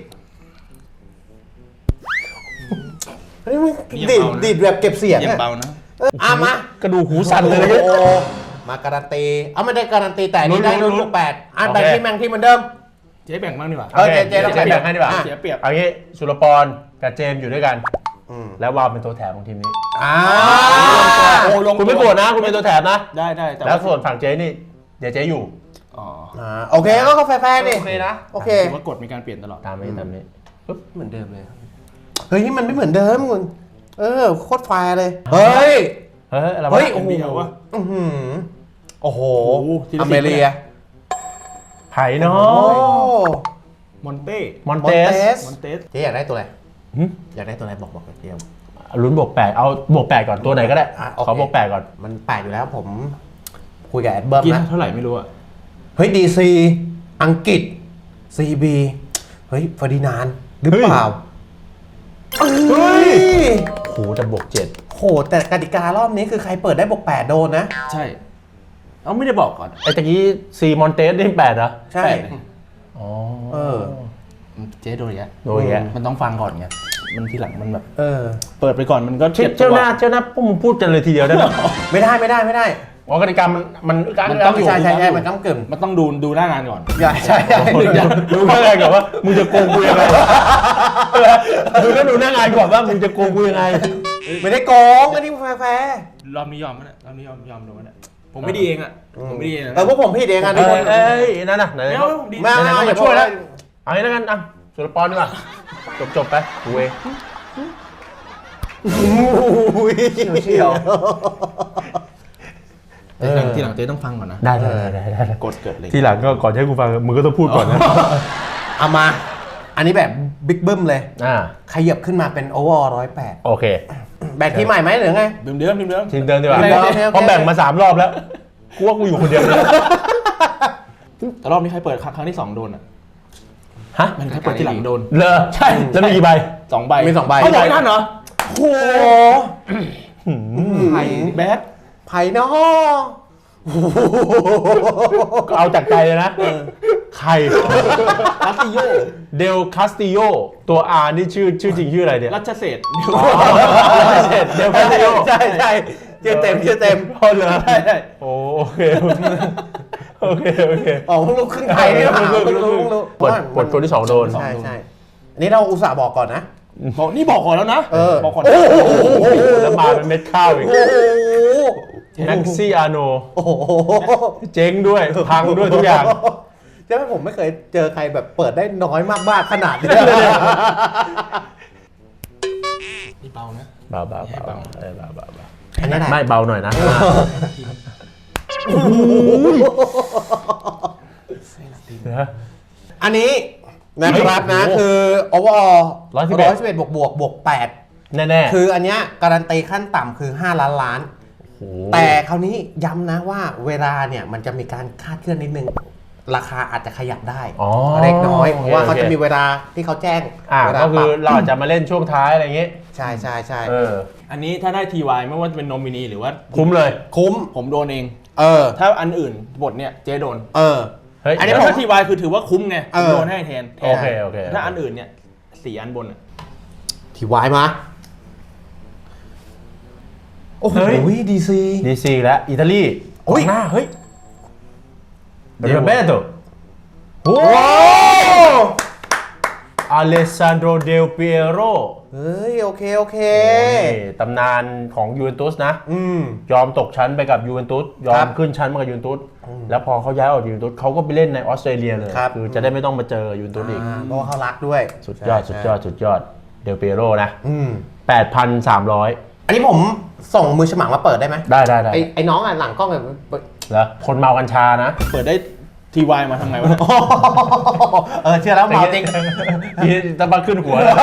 Speaker 2: นี่มันดีดดีดแบบเก็บเสียง
Speaker 3: อย่า
Speaker 2: อะ
Speaker 3: เบานะ
Speaker 2: เอออ่ะมาก
Speaker 1: ระดูกหูสั่นเลย
Speaker 2: โอ้โหมาการันตีเอาไม่ได้การันตีแต่นี่ได้
Speaker 1: ลุ้
Speaker 2: รุ่
Speaker 1: น
Speaker 2: น
Speaker 1: ๆ
Speaker 2: ลูกแปดอ่ะ
Speaker 1: โอเค
Speaker 2: แบ่งที่แบ่งที่เหมือนเดิม
Speaker 3: เจ๊แบ่งบ้างดีกว่า
Speaker 2: เออเจเจต้อง
Speaker 1: เจแบ่งให้ดีกว่า
Speaker 2: อ่ะ
Speaker 3: เสียเปรียบ
Speaker 1: เอางี้สุรปรกับเจมส์อยู่ด้วยกัน
Speaker 2: อืม
Speaker 1: แล้ววาวเป็นตัวแถมของทีมนี้
Speaker 2: อ่า
Speaker 3: โอ้ลง
Speaker 1: คุณไม่โกรธนะ คุณเป็นตัวแถมนะ
Speaker 3: ได้ได้แต่
Speaker 1: แล้วส่วนฝั่งเจ๊นี่ เดี๋ยวเจ๊อยู่
Speaker 3: อ๋อ
Speaker 2: อ่าโอเคก็ก็แฟร์ๆดิ
Speaker 4: โอเคนะ
Speaker 2: โอเค
Speaker 3: ถือว่ากฎมีการเปลี่ยนตลอด
Speaker 1: ตามนี้ตามนี้ปึ๊บ
Speaker 4: เหมือนเดิมเลย
Speaker 2: เฮ้ยมันไม่เหมือนเดิมคุณเออโคตรแฟร์เลย เฮ้ย
Speaker 1: เฮ้ยอะไรวะ
Speaker 2: เฮ้ย
Speaker 3: โอ้โห
Speaker 2: อื้อหือโอ้โห
Speaker 3: โอ้โหทีละ
Speaker 2: อเมริกา
Speaker 1: ไผ่เนา
Speaker 2: โอ้
Speaker 1: ะ
Speaker 3: มอนเต้
Speaker 1: มอน
Speaker 2: มอน
Speaker 1: เต
Speaker 2: เต
Speaker 1: ส
Speaker 2: ส
Speaker 3: มอนเตส
Speaker 2: เจ๊อยากได้ตัวอะไร
Speaker 1: หึ
Speaker 2: อยากได้ตัวอะไรบอกบอกเดียว
Speaker 1: ลุ้นบวกแปดเอาบวกแปดก่อนตัวไหนก็ได้
Speaker 2: อ่ะโอเค
Speaker 1: ขอบวกแปดก่อน
Speaker 2: มันแปลกอยู่แล้วผมคุยกับแอดเบิร์ม
Speaker 3: กี่
Speaker 2: นะ
Speaker 3: เท่าไหร่ไม่รู้อะ
Speaker 2: เฮ้ยดีซีอังกฤษซีบีเฮ้ยเฟอร์ดินานด์หรือเปล่าเฮ้ย
Speaker 1: โหแต่บวกเจ็ด
Speaker 2: โหแต่กติการอบนี้คือใครเปิดได้บวกแปดโดนนะ
Speaker 3: ใช่เอาไม่ได้บอกก่อน
Speaker 1: ไอ้ตะกี้ซีมอนเตสนี่แปดเหรอ
Speaker 2: ใช่
Speaker 3: แปดเลย
Speaker 1: อ๋อ
Speaker 2: เออ
Speaker 3: เจ๊โดนอย่างเงี้ย
Speaker 1: โดยแก
Speaker 3: มันต้องฟังก่อนไงมันทีหลังมันแบบ
Speaker 2: เออ
Speaker 3: เปิดไปก่อนมันก็
Speaker 1: เจ้า
Speaker 3: เจ็บ
Speaker 1: เจ้าหน้าเจ้าหน้าพวกมึงพูดกันเลยทีเดียวได้ไหม
Speaker 2: ไม่ได้ไม่ได้ไม่ได้
Speaker 1: อ๋อกติกามันมันกลาง
Speaker 3: มัน
Speaker 1: ก
Speaker 3: ต้
Speaker 1: ลา
Speaker 3: อง
Speaker 1: งอยู่
Speaker 2: ใช่ใช่ใช่มันก้ำกึ่ง
Speaker 3: มันต้องดูดูหน้างานก่อน
Speaker 2: ใช่ใช่ใช่
Speaker 1: รู้แค่ไหนก่อนว่ามึงจะโกงกูยังไงดูก็ดูหน้างานก่อนว่ามึงจะโกงกูยังไง
Speaker 2: ไม่ได้โกงอันนี้แฟร์
Speaker 3: รอบนี้ยอมมั้ยเนี่ยรอบนี้ยอมยอมโดนมั้ยเนี่ยผมไม่ดีเองอะผมไม่ดีเอง
Speaker 2: ๆเออพวกผมผิดเองอ่ะ
Speaker 1: เอ้
Speaker 2: ทุกค
Speaker 1: ย
Speaker 2: น
Speaker 1: เอ้ยนั่นน่ะไหน
Speaker 3: ไม่เอาผมดี
Speaker 2: ไม่เอา
Speaker 1: ไหนๆก็
Speaker 2: อย่า
Speaker 1: มาช่วยแล้ว
Speaker 2: พูด
Speaker 1: เอางี้แล้วกันอ่ะสุรปรดีกว่าจบจบๆไปกูเอง
Speaker 2: อุ้ย
Speaker 4: เชี่ยว
Speaker 3: ทีหลังทีหลังเจ๊ต้องฟังก่อนนะ
Speaker 1: ได้ได้ได้ได้ได้
Speaker 3: กดเกิดเลย
Speaker 1: ทีหลังก็ก่อนให้กูฟังมึงก็ต้องพูดก่อนนะ
Speaker 2: เอามา อันนี้แบบบิ๊กบึ้มเลย
Speaker 1: อ่า
Speaker 2: ขยับขึ้นมาเป็นโอเวอร์ร้อยแปด
Speaker 1: โอเค
Speaker 2: แบ่งทีมใหม่ไหมหรือไง
Speaker 3: เดิมเดิมเดิมเดิม
Speaker 1: ทีมเดิมดีกว่า
Speaker 2: โอเคโอเคโอเค
Speaker 1: เพราะแบ่งมาสามรอบแล้วกูว่ากูอยู่คนเดียวเลย
Speaker 3: แต่รอบนี้ใครเปิดครั้งที่สองโดนอะ
Speaker 1: ฮะ
Speaker 3: มันใครเปิดที่หลังโดน
Speaker 1: เลอใช่แล้วมีกี่ใบ
Speaker 3: สองใบ
Speaker 2: มีสองใบ
Speaker 3: เขาบอกไม่ทันเหรอโอ้โห
Speaker 2: ไผ่
Speaker 3: แบด
Speaker 2: ไผ่เนาะ
Speaker 1: ก็เอาจากใจเลยนะใคร
Speaker 3: รัตติโย
Speaker 1: เดลคาสติโยตัว R นี่ชื่อชื่อจริงชื่ออะไรเนี่ย
Speaker 3: รัชเศษ
Speaker 1: เดลคาสติโย
Speaker 2: ใช่ใช่ชื่อเต็มชื่อเต็ม
Speaker 1: พอเหรอ
Speaker 2: ใช่ใช่
Speaker 1: โอ้โอเคโอเคโอเคโอเค
Speaker 2: อ๋อเพิ่งรู้ครึ่งไทยนี่หรอเพิ่งรู้เพิ่งรู้
Speaker 1: ปวดปวดคนที่สองโดน
Speaker 2: ใช่ใช่อันนี้เราอุตส่าห์บอกก่อนนะ
Speaker 3: บอกนี่บอกก่อนแล้วนะ
Speaker 2: เออ
Speaker 3: บอกก่อน
Speaker 2: โอ้โห
Speaker 1: แล้วมาเป็นเม็ดข้าวอีก
Speaker 2: โอ้โห
Speaker 1: แม็กซี่อาโน
Speaker 2: โอ้โห
Speaker 1: เจ๊งด้วยพังด้วยทุกอย่าง
Speaker 2: ใช่ไหมผมไม่เคยเจอใครแบบเปิดได้น้อยมากๆขนาดนี้
Speaker 3: นี่เบานะ
Speaker 1: เบาเบา
Speaker 3: ให้
Speaker 1: เบา
Speaker 3: เบา
Speaker 1: เออเบาเบาเบา
Speaker 2: อันนี้แหละ
Speaker 1: ไม่เบาหน่อยนะเดี๋ยว
Speaker 2: อันนี้นะครับนะ
Speaker 1: โอ้โห
Speaker 2: คือโอเวอร์ออล
Speaker 1: ร้อยสิบเอ็ด
Speaker 2: ร้อยสิบเอ็ดบวกบวกบวกแปด
Speaker 1: แน่ๆ
Speaker 2: คืออันเนี้ยการันตีขั้นต่ำคือห้าล้านล้าน
Speaker 1: โอ้โห
Speaker 2: แต่คราวนี้ย้ำนะว่าเวลาเนี่ยมันจะมีการคาดเคลื่อนนิดนึง ราคาอาจจะขยับได้
Speaker 1: อ๋อ
Speaker 2: เล็กน้อยเพราะว่า
Speaker 1: โอเค
Speaker 2: เขาจะมีเวลาที่เขาแจ้ง
Speaker 1: อ่า
Speaker 2: เวลา
Speaker 1: ก็คือ
Speaker 2: ปรับ
Speaker 1: เราอาจจะมาเล่นช่วงท้ายอะไรอย่างงี้
Speaker 2: ใช่ใช่ใช่
Speaker 1: เออ
Speaker 3: อันนี้ถ้าได้ทีวายไม่ว่าจะเป็นโนมินีหรือว่า
Speaker 1: คุ้มเลย
Speaker 2: คุ้ม
Speaker 3: ผมโดนเอง
Speaker 2: เออ
Speaker 3: ถ้าอันอื่นบทเนี่ยเจ๊โดน
Speaker 2: เออ
Speaker 1: เฮ้ย
Speaker 2: อันนี้
Speaker 3: แล้ว
Speaker 2: ผม
Speaker 3: ถ้าทีวายคือถือว่าคุ้มไง
Speaker 2: เอ
Speaker 3: ผม
Speaker 2: อ
Speaker 3: โดนให้แทนแทน
Speaker 1: โอเคโอเค
Speaker 3: ถ้าอันอื่นเนี่ยสี่อันบนอะ
Speaker 2: ที่วายมา โอ้โห
Speaker 1: เฮ้ย
Speaker 2: ดีซี
Speaker 1: ดีซีแล้วอิตาลี
Speaker 2: โอ้ย
Speaker 1: กองหน้าเฮ้ยเดโรเบโตโอ้
Speaker 2: ว้าว
Speaker 1: อเลสซานโดเดลเปียโร
Speaker 2: เฮ้ย โอเค โอเค
Speaker 1: ตำนานของยูเวนตุสนะ
Speaker 2: อืม
Speaker 1: ยอมตกชั้นไปกับยูเวนตุสยอ
Speaker 2: ครั
Speaker 1: ม
Speaker 2: บ
Speaker 1: ขึ้นชั้นมากับยูเวนตุสแล้วพอเขาย้ายออกจากยูเวนตุสเขาก็ไปเล่นในออสเตรเลียเลย
Speaker 2: ครับ
Speaker 1: คือจะได้ไม่ต้องมาเจอยูเวนตุสอีก
Speaker 2: อ่าเพราะว่าเขารักด้วย
Speaker 1: สุดยอด
Speaker 2: ใช่
Speaker 1: สุดยอด สุดยอด เดลเปียโรนะ
Speaker 2: อืม
Speaker 1: แปดพันสามร้อย
Speaker 2: อันนี้ผมส่งมือฉมังมาเปิดได้ไหม
Speaker 1: ได้ได้ได้
Speaker 2: ไอ้ไอ้น้องอ่ะหลังกล้องแบบเปิด
Speaker 1: แล้วคนเมากัญชานะ
Speaker 3: เปิดได้ทีวายมาทำไงวะเนี่ย
Speaker 2: เออเชื่อแล้วเมาจริง
Speaker 1: ที่ตะบักขึ้นหัวแล้ว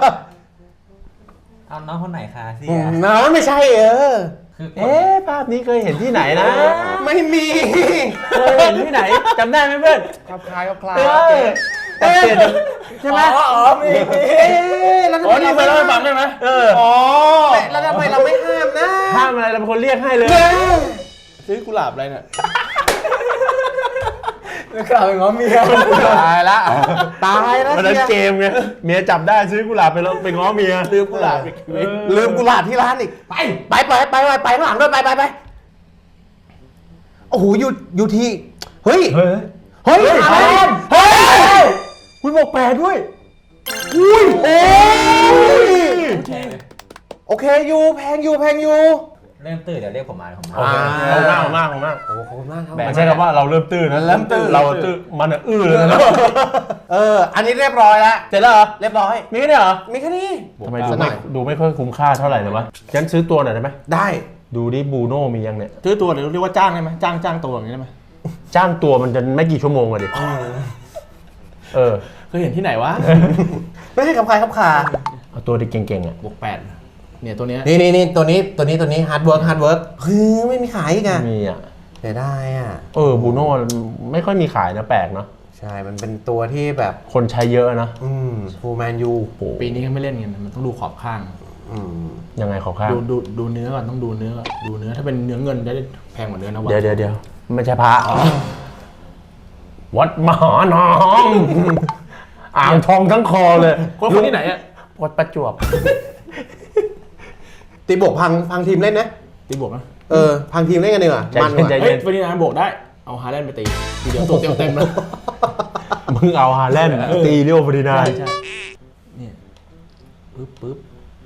Speaker 5: เอาน้องคนไหนคะเสี
Speaker 2: อื
Speaker 5: ย
Speaker 2: มน้องไม่ใช่เออ
Speaker 5: คือกด
Speaker 1: เอ๊ะภาพนี้เคยเห็นที่ไหนนะ
Speaker 2: ไม่มี
Speaker 1: เคยเห็นที่ไหนจำได้ไหมเพื่อน
Speaker 2: ครับคล้ายครับคล้าย
Speaker 1: เออแต่เปลี่ยนใช่ไหม
Speaker 2: อ๋ออ๋อมีมีเอ๊ะแล้วทำ
Speaker 3: อ๋อ
Speaker 2: ไม
Speaker 3: นี่
Speaker 2: เรา
Speaker 3: ไป
Speaker 2: ไม่
Speaker 3: เล่าให้
Speaker 2: ห้า
Speaker 3: ฟัง
Speaker 2: ม
Speaker 3: ได้ไหม
Speaker 1: เออ
Speaker 2: อ๋อแล้วทำไมเราไม่ห้ามนะ
Speaker 1: ห้ามอะไรเราเป็นคนเรียกให้เลย
Speaker 3: ซื้อกุหลาบอะไรเนี่ย
Speaker 5: กล่าวเป็นง้อเมีย
Speaker 2: ตายละตายแล้ว
Speaker 1: วันนั้น
Speaker 2: เชี
Speaker 1: เก
Speaker 2: ย
Speaker 1: มไงเมียจับได้ซื้อกุหลาบไปแล้วไปง้อเมีย
Speaker 3: ซื้อกุหลาบไปชีวิต
Speaker 2: ลืมกุหลาบที่ร้านอีก ไปไปไปไปไปไปข้างหลังด้วยไปไปไปโอ้โหอยู่อยู่ที่เฮ้ย
Speaker 1: เฮ้ย
Speaker 2: เฮ้ย
Speaker 1: เฮ้ย
Speaker 2: อะไร
Speaker 1: เฮ้ย
Speaker 2: เฮ้ย
Speaker 1: คุณบอกแปดด้วย
Speaker 2: อุ้ยโอ้ยโอเคอยู่แพงอยู่แพงอยู่
Speaker 5: เริ่มตื่นเดี๋ยวเรียกผมมาเดี๋ยวผมมา
Speaker 1: โอเคเอามากเอามากเอามาก
Speaker 2: โอ้ขอบคุณมากครับ
Speaker 1: ไม่ใช่คำว่าเราเริ่มตื้นนะ
Speaker 2: เริ่มตื้น
Speaker 1: เราตื้นมันอะอื้อเลยนะ
Speaker 2: เอออันนี้เรียบร้อยแล้ว
Speaker 1: เสร็จแล้วเหรอ
Speaker 2: เรียบร้อย
Speaker 1: มีแค่นี้เหรอ
Speaker 2: มีแค่นี้
Speaker 1: ทำไมดู
Speaker 2: สักหน่
Speaker 1: ไม่
Speaker 2: อย
Speaker 1: ดูไม่ค่อยคุ้มค่าเท่าไหร่เลยวะงั้นซื้อตัวหน่อยได้ไหม
Speaker 2: ได้
Speaker 1: ดูดิบูโน่มียังเนี่ย
Speaker 3: ซื้อตัวเดี๋ยวเรียกว่าจ้างได้ไหมจ้างจ้างตัวอย่างนี้ได้ไหม
Speaker 1: จ้างตัวมันจะไม่กี่ชั่วโมงอะดิเออ
Speaker 3: เคยเห็นที่ไหนวะ
Speaker 2: ไม่ให้กับใครครับคา
Speaker 1: เอาตัวที่เก่งๆอ่ะ
Speaker 3: บวกแปดเนี่ยตัวเนี้ย
Speaker 2: นี่นี่นี่ตัวนี้ตัวนี้ตัวนี้ฮาร์ดเวิร์กฮาร์ดเวิร์กเฮ้ยไม่มีขายอีกอะ
Speaker 1: มีอ่ะ
Speaker 2: เสียดายอ่ะ
Speaker 1: เออบูโน่ไม่ค่อยมีขายนะแปลกเนาะ
Speaker 2: ใช่มันเป็นตัวที่แบบ
Speaker 1: คนใช้เยอะนะ
Speaker 2: อืมฟูแมนยู
Speaker 1: โอ้โห
Speaker 3: ปีนี้ก็ไม่เล่นกันมันต้องดูขอบข้าง
Speaker 2: อืม
Speaker 1: ยังไงขอข้าง
Speaker 3: ดูดูดูเนื้อก่อนต้องดูเนื้อก่อนดูเนื้อถ้าเป็นเนื้อเงินจะได้แพงกว่าเนื้อนะวะ
Speaker 1: เดี๋ยวเดี๋ยวเดี๋ยวไม่ใช่พระวัดมหาน้อง อ่างทองทั้งคอเลย
Speaker 3: คนคนที่ไหนอ่ะ
Speaker 1: วัดประจวบ
Speaker 2: ตีบวกพังพังทีมเล่นนะ
Speaker 3: ตีบวกนะ
Speaker 2: เออพังทีมเล่นกันดีกว่า
Speaker 1: ใจ
Speaker 2: มัน
Speaker 1: เย็น
Speaker 2: ก
Speaker 1: ใจ
Speaker 2: ว่า
Speaker 3: เฮ้ยวันนี้นะบวกได้เอาฮาแลนด์ไปตีทีเดียวตัวเต็มเต็มๆเลย
Speaker 1: มึงเอาฮาแลนด์ตีเรียวฟอร์ดินา
Speaker 3: ใช่
Speaker 1: นด์
Speaker 3: ใช่เนี่ยปึ๊บปึ๊บ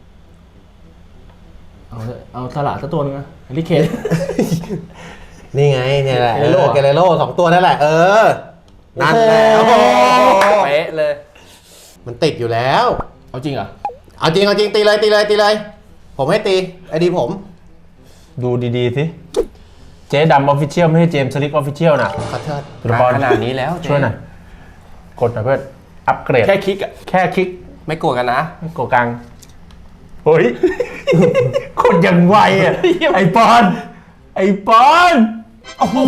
Speaker 3: เอาเถอะเอาสลัดสักตัวนึงนะแฮร์รี่เคน
Speaker 2: นี่ไงเนี่ยแหละ
Speaker 3: เกเรโร่
Speaker 2: เกเรโร่สองตัวนั่นแหละ เออ นั่นแหละ
Speaker 1: โอ้โห
Speaker 4: เป๊ะเลย
Speaker 2: มันติดอยู่แล้ว
Speaker 3: เอาจริงเหรอ
Speaker 2: เอาจริงเอาจริงตีเลยตีเลยตีเลย ผมให้ตีไอดีผม
Speaker 1: ดูดีๆสิ เจ๊ดำออฟฟิเชียลไม่ใช่เจมส์สลิกออฟฟิเชียลนะ
Speaker 2: ขอโทษ
Speaker 1: ตุลบอล
Speaker 4: ขนาดนี้แล้วเจ๊
Speaker 1: ช่วยหน่อย กดหน่อยเพื่อน อัปเกรด
Speaker 3: แค่คลิกอ่ะ
Speaker 1: แค่คลิก
Speaker 4: ไม่กลัวกันนะ
Speaker 1: ไม่กดกลางเฮ้ย คนอย่างไวอ่ะ ไอปอน ไอปอน
Speaker 2: โอ้โห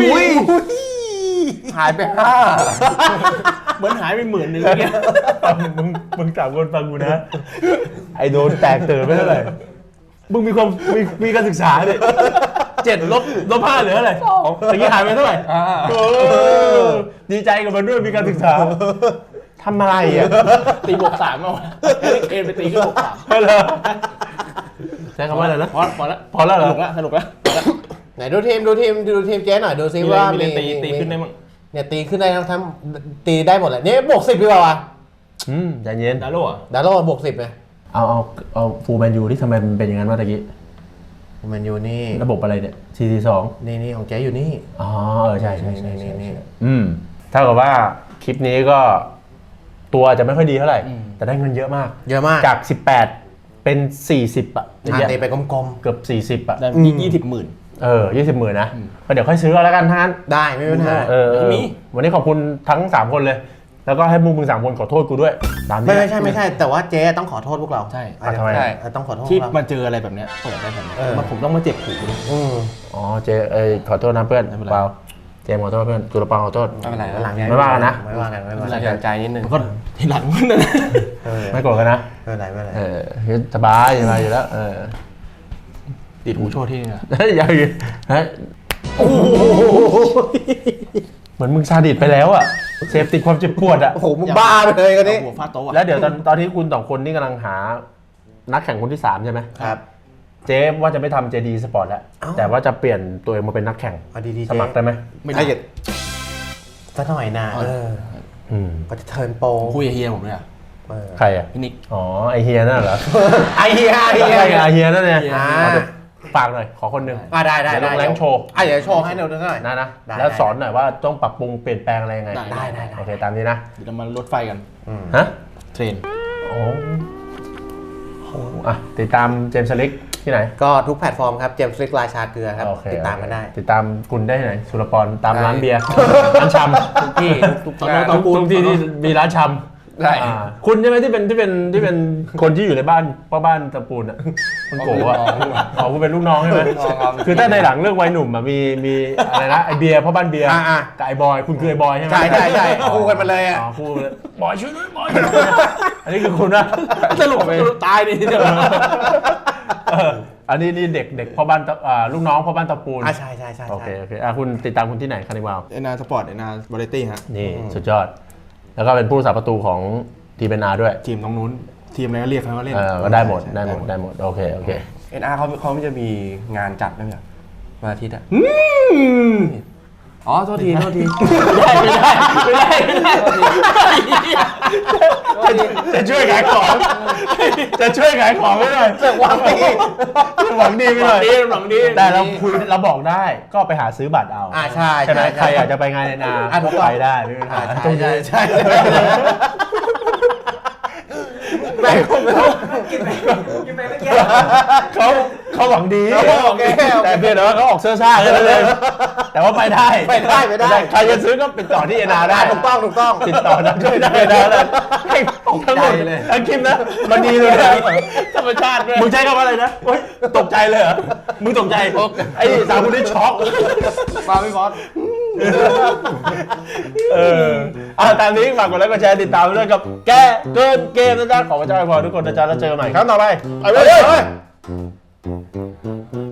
Speaker 4: หายไปห้า
Speaker 3: เหมือนหายไปหมื่นหนึ่งเงี้ย
Speaker 1: มึงมึงสามคนฟังกูนะ ไอโดนแตกเติร์ไม่เท่าไหร่ มึงมีความมีมีการศึกษาเนี่ยเจ็ดลบลบห้าเหลืออะไรตะกี้หายไปเท่าไหร่เออดีใจกับมันด้วยมีการศึกษาทำอะไรอ่ะ
Speaker 3: ตีบวกสามเอาแฮร์รี่เคนไปตีขึ้นบวกสาม
Speaker 1: เหรอใช้คำว่าอะไรนะ
Speaker 3: พอพอแล้ว
Speaker 1: พอแล้วเหรอ
Speaker 3: สนุกแล้วสนุกแล้ว
Speaker 2: ไหนดูทีมดูทีมดูทีมเจ๊หน่อยดูซิ
Speaker 3: มี
Speaker 2: ว่า
Speaker 3: อะไร
Speaker 2: มี
Speaker 3: มีอะไรตีตีขึ้นได้มั้ง
Speaker 2: เนี่ยตีขึ้นได้ทั้งทั้งตีได้หมดเลยนี่บวกสิบดีกว่าวะ
Speaker 1: อืมใจเย็น
Speaker 3: ดาโร่อะ
Speaker 2: ดาโร่บวกสิบเลย
Speaker 1: เอาเอาเอาฟูลแมนยูที่ทำไมมันเป็นอย่างนั้นวะตะกี้
Speaker 2: แมนยูนี่
Speaker 1: ระบบอะไรเนี่ย สี่ สี่ สอง
Speaker 2: นี่นี่ของเจ๊อยู่นี่
Speaker 1: อ๋อเออใช่ใช่ใช่
Speaker 2: นี่
Speaker 1: ใช่
Speaker 2: นี่
Speaker 1: อืมเท่ากับว่าคลิปนี้ก็ตัวจะไม่ค่อยดีเท่าไหร่ แต่ได้เงินเยอะมาก
Speaker 2: เยอะมาก
Speaker 1: จาก สิบแปด เป็น สี่สิบ อ่ะ
Speaker 2: อ่าตีไปกลม
Speaker 1: เกือบ สี่สิบ อ่ะ
Speaker 3: ได้ยี่สิบหมื่น
Speaker 2: ๆ
Speaker 1: เออยี่สิบหมื่นนะก็เดี๋ยวค่อยซื้อเอาแล้วกันท่าน
Speaker 2: ได้ไม่มีปัญหา
Speaker 1: เออเออวันนี้ขอบคุณทั้งสามคนเลย แล้วก็ให้มึงมึงสามคนขอโทษกูด้วยตามนี้
Speaker 2: ไม่ไม่ใช่ไม่ใช่ แต่ว่าเจ๊ต้องขอโทษพวกเรา
Speaker 3: ใช่
Speaker 2: อ่ะ
Speaker 1: ทำไม
Speaker 2: ใช่ต้องขอโทษ
Speaker 3: ที่
Speaker 2: พวกเรา
Speaker 3: มาเจออะไรแบบเนี้ยเปิดได้แบบเนี้ย
Speaker 2: เออ
Speaker 3: มันผมต้องมาเจ็บหูดิ
Speaker 2: อืม
Speaker 1: อ๋อเจเอยขอโทษนะเพื่อน
Speaker 3: ไม่เป็นไร
Speaker 1: เปล่าเจมส์ขอโทษเพื่อนจุลปาขอโทษ
Speaker 4: ไม่เป็นไร
Speaker 2: วันหลัง
Speaker 1: ไม่ว่ากันนะ
Speaker 2: ไม่ว่ากันไม่ว่า
Speaker 4: สะ
Speaker 2: กัน
Speaker 4: เทือนใจนิดนึง
Speaker 3: ก็ทีหลังมันนะ
Speaker 2: เออ
Speaker 1: ไม่โกรธกันนะ
Speaker 2: ไม่เป็นไรไม่เป็นไร
Speaker 1: เออสบายสบายอยู่แล้วเออ
Speaker 3: ติดหูโชว์ที่นี่นะ
Speaker 1: เฮ้ยอย่าอย่าเฮ้ย
Speaker 2: โอ้โห
Speaker 1: เหมือนมึงซาดิสไปแล้วอ่ะเสพติดความเจ็บปวดอ่ะ
Speaker 2: โอ้โหมึงบ้าไปเลยกันนี้
Speaker 3: เอาหัวฟาดโต๊ะอะ
Speaker 1: แล้วเดี๋ยวตอนตอนที่คุณสองคนนี่กำลังหานักแข่งคนที่สามใช่ไหม
Speaker 2: ครับ
Speaker 1: เจ๊ว่าจะไม่ทำ เจ ดี Sport แล้ว
Speaker 2: เอ้า
Speaker 1: แต่ว่าจะเปลี่ยนตัวเองมาเป็นนักแข่ง
Speaker 2: เอาดีๆ
Speaker 1: สมัครได้ไหม
Speaker 3: ไม่ได้
Speaker 2: ได้สักหน่อยนะเออ
Speaker 1: อืม
Speaker 2: ก็จะเทิร์นโปร
Speaker 3: ผมคุยกับเฮียผมเลยอะ
Speaker 2: เออ
Speaker 1: ใครอ่ะ
Speaker 3: พี่นิก
Speaker 1: อ๋อไอเฮียนั่นเหรอ
Speaker 2: ไอเฮียไอ
Speaker 1: ไอ
Speaker 2: เฮีย
Speaker 1: เฮียไอเฮียนั่นเนี่ย
Speaker 2: อ่า
Speaker 1: เอาเดี๋ยวฝากหน่อยขอคนหนึ่ง
Speaker 2: อ่ะได้ได้
Speaker 1: เดี๋ยวล
Speaker 2: ได้
Speaker 1: งแรงโชว์
Speaker 2: อ่ะเดี๋ยวโชว์ให้เร็วๆหน่อย
Speaker 1: นะนะ
Speaker 2: ได้
Speaker 1: แล้ว
Speaker 2: ได้
Speaker 1: สอนหน่อยว่าต้องปรับปรุงเปลี่ยนแปลงอะไรยังไง
Speaker 3: ได้
Speaker 2: ได้ได้ได้
Speaker 1: โอเคตามนี้นะ
Speaker 3: เดี๋ยวเรามารถไฟกัน
Speaker 2: อืม
Speaker 1: ฮะ
Speaker 3: เทรน
Speaker 1: โอ้โหอ่ะติดตามเจมส์สลิกที่ไหน
Speaker 2: ก็ทุกแพลตฟอร์มครับ เจมส์ลิกราชาเกลือครับ
Speaker 1: โอเค
Speaker 2: ติดตามกันได้
Speaker 1: ติดตามคุณได้ที่ไหนสุรปรตาม
Speaker 2: ได้
Speaker 1: ร้านเบียร์ร้านชำทุกที่ทุก
Speaker 3: ตอนนั้นต
Speaker 1: ทุ
Speaker 3: อน
Speaker 1: ก
Speaker 3: ปูน
Speaker 1: ทุกที่ที่มีร้านชำ
Speaker 4: ได้
Speaker 1: อ่าคุณใช่ไหมที่เป็นที่เป็นที่เป็นคนที่อยู่ในบ้านพ่อบ้านตะปูนอ่ะคุณโกะอ่ะอ๋อคุณเป็นลูกน้องใช่ไหม
Speaker 4: ลูกน้องครับ
Speaker 1: คือถ้าในหลังเรื่องวัยหนุ่มอ่ะมีมีอะไรนะไอเบียร์พ่อบ้านเบียร์
Speaker 2: อ่าอ่า
Speaker 1: กับไอบอยคุณคือไอบอยใช่ไหม
Speaker 2: ใช่ใช่ใช่คู่กันมาเลยอ่ะ
Speaker 1: อ๋อคู่กันเลยบอยช่วยด้วยบอยช่วยด้วยอันนี้คือคุณนะ
Speaker 3: สรุปสรุปตายนี่เดี๋ยว
Speaker 1: เอออันนี้นี่เด็กเด็กพ่อบ้านตะอ่าลูกน้องพ่อบ้านตะปูน
Speaker 2: อ่ะใช่ใช่ใช่
Speaker 1: โอเค
Speaker 2: ใช่
Speaker 1: โอเคอ่ะคุณติดตามคุณที่ไหนคานิวาล
Speaker 3: เอนาสปอร์ตเอนาบริตี้ฮะ
Speaker 1: นี่สุดยอด แล้วก็เป็นผู้รักษาประตูของทีมเอ็นอาร์ด้วย
Speaker 3: ทีมตรงนู้น ทีมอะไรก็เรียกเขาก็เล่น
Speaker 1: เออก็ได้หมดได้หมดได้หมมดโอเคโอเค
Speaker 4: เอ็นอาร์เขาเขาไม่จะมีงานจัดด้วยเหรอวันอาทิตย์อ่ะอ๋อโทษทีโทษที
Speaker 1: ไม่ได้ไม่ได้ไม่ได้ไม่ได้จะช่วยขายของ จะช่วยขายของไม่ได้
Speaker 2: หวังดี
Speaker 1: หวังดีไปหน่อย
Speaker 3: หวังดี
Speaker 1: แต่เราคุยเราบอกได้ก็ไปหาซื้อบัตรเอา
Speaker 2: อ่าใช่
Speaker 1: ใช่ไหม
Speaker 2: ใช่
Speaker 1: ใครอยากจะไปงานในนา
Speaker 2: อ่ะถู
Speaker 1: ก็
Speaker 2: กต้อง
Speaker 1: ไปได้ไม่มีปัญหา
Speaker 2: อ่า
Speaker 1: ตรง
Speaker 2: ใช่
Speaker 1: นี้
Speaker 2: ใช่ใช่แม่ผมไม่ต้อง
Speaker 5: กินไปกินไปเมื่อกี้
Speaker 1: เขาเขาหวังดี
Speaker 2: โอเคโอเค
Speaker 1: แต่เพียงแต่ว่าเขาออกเสื้อซ่าแค่นั้นเองแต่ว่าไปได้
Speaker 2: ไปได้ไปได้
Speaker 1: ใครจะซื้อก็ติดต่อที่เอนาได้
Speaker 2: ถูกต้องถูกต้อง
Speaker 1: ติดต่อนะช่วยได้นะเลยให้ทั้งหมดทั้งคลิปนะมันดีเลยนะธรรมชาติด้วยมึงใช้คำว่าอะไรนะโอ๊ยตกใจเลยเหรอมึงตกใจไอ้สามคนนี้ช็อก
Speaker 3: มาไม่บอส
Speaker 1: เอออ่ะตามนี้ฝากกดไลค์กดแชร์ติดตามเรื่องกับแกเกินเกมนะจ๊ะขอพระเจ้าอวยพรทุกคนนะจ๊ะแล้วเจอกันใหม่ครั้งต่อไปไปเลย